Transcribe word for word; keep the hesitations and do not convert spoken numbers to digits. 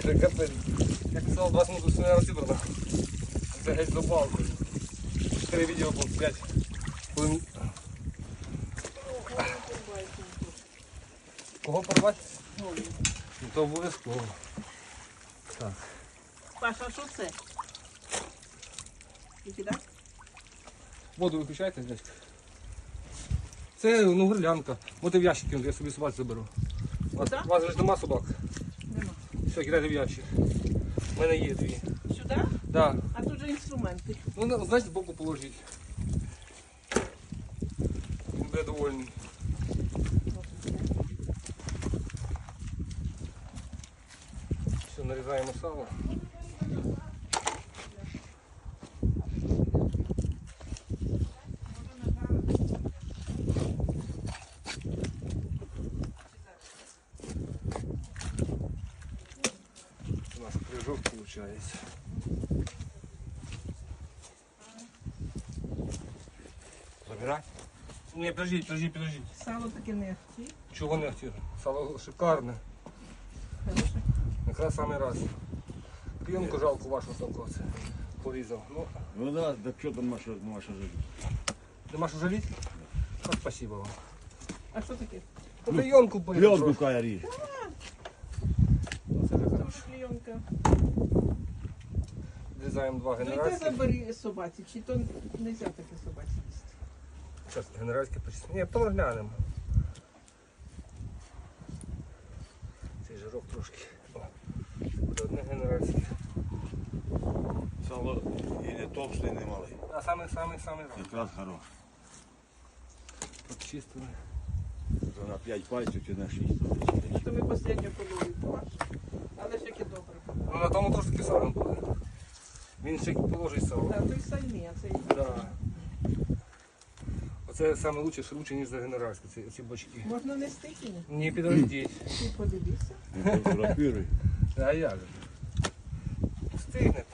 Це капець. Я писав двадцять минут все не розібрано. Це геть за балкою. Чотири відео було, п'ять. Коли... Кого порвати? Ну, то обов'язково. Так. Паша, що це? Викидай? Воду виключайте, дядька. Це ну, гирлянка. От і в ящик кинути, я собі собак заберу. У вас, у вас ж нема собак? Нема. Все, кидайте в ящик. У мене є дві. Сюди? Да. А тут же інструменти. Ну, знаєте, збоку положіть. Він буде довольний. Все, нарізаємо сало. У нас крыжок получается. Забирай. Не, подождите, подождите, подождите. Сало таке не ахті. Чого не хотів? Сало шикарне. Хороше. Якраз самий раз. Клієнку жалко вашу самку це порізав. Ну, Ну да, так что там Маша, Маша живет? нема що жаліти? Ну, спасибо вам. А що таке? Клеенку порізав. Пленку кая ріж. Це вже Це хорошо. вже клейонка. Відрізаємо два Ну йди генеральські. забери собаці, чи то не можна таке собаці їсти. Зараз генеральські почистимо. Ні, потім глянемо. Цей жирок трошки. О, буде одне генеральське. Сало і не товстий, і не малий. А саме, саме, саме раз. Якраз хорош. Почистили. То на п'ять пальців чи на шість. То ми останню половину побачимо. Але ж яке добре. Ну на тому теж таке саме буде. Він ще положить сало. Так, той самі, а це і Да. Оце саме лучше, що лучше, ніж за генеральське, ці, ці бочки. можна нести чи ні? Не підождіть. Ти подивися. Фотографіруй. А як же? Встигнете.